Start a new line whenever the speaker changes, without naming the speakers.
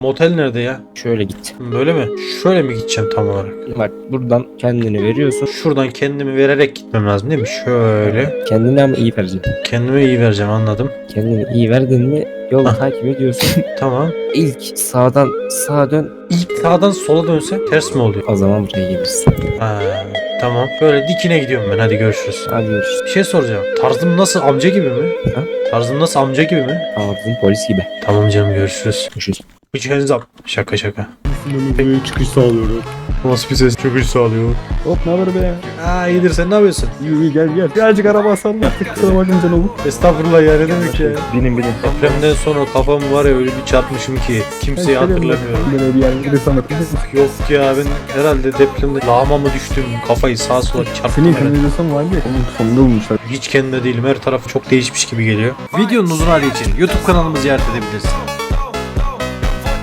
Motel nerede ya?
Şöyle git.
Böyle mi? Şöyle mi gideceğim tam olarak?
Bak buradan kendini veriyorsun.
Şuradan kendimi vererek gitmem lazım değil mi? Şöyle.
Kendini ama iyi vereceksin.
Kendime iyi vereceğim, anladım.
Kendini iyi verdin mi yolu
Hah.
takip ediyorsun.
Tamam.
İlk sağdan sağa dön.
İlk sağdan sola dönse ters mi oluyor?
O zaman buraya gelirsin.
Ha, tamam. Böyle dikine gidiyorum ben. Hadi görüşürüz.
Hadi görüşürüz.
Bir şey soracağım. Tarzım nasıl, amca gibi mi?
Ha?
Tarzım nasıl, amca gibi mi?
Ağzın polis gibi.
Tamam canım, görüşürüz.
Görüşürüz.
Üç hands up. Şaka şaka.
Böyle çıkış sağlıyorum.
Nasıl bir ses? Çıkış sağlıyor.
Hop ne haber be?
Aa, iyidir, sen ne yapıyorsun?
İyi gel gel. Birazcık araba salla. Kusura bakma canım.
Estağfurullah ya, ne demek ya.
Binin.
Depremden sonra kafam var ya, öyle bir çarpmışım ki kimseyi hatırlamıyorum.
Böyle bir yer bir de sana.
Yok ya, ben herhalde depremde lağma mı düştüm, kafayı sağa sola çarptım
Senin
herhalde.
kanalizasyon var ya. Onun sonunda bulmuşlar.
Hiç kendime değilim, her taraf çok değişmiş gibi geliyor. Videonun uzun hali için YouTube kanalımızı ziyaret edebilirsiniz.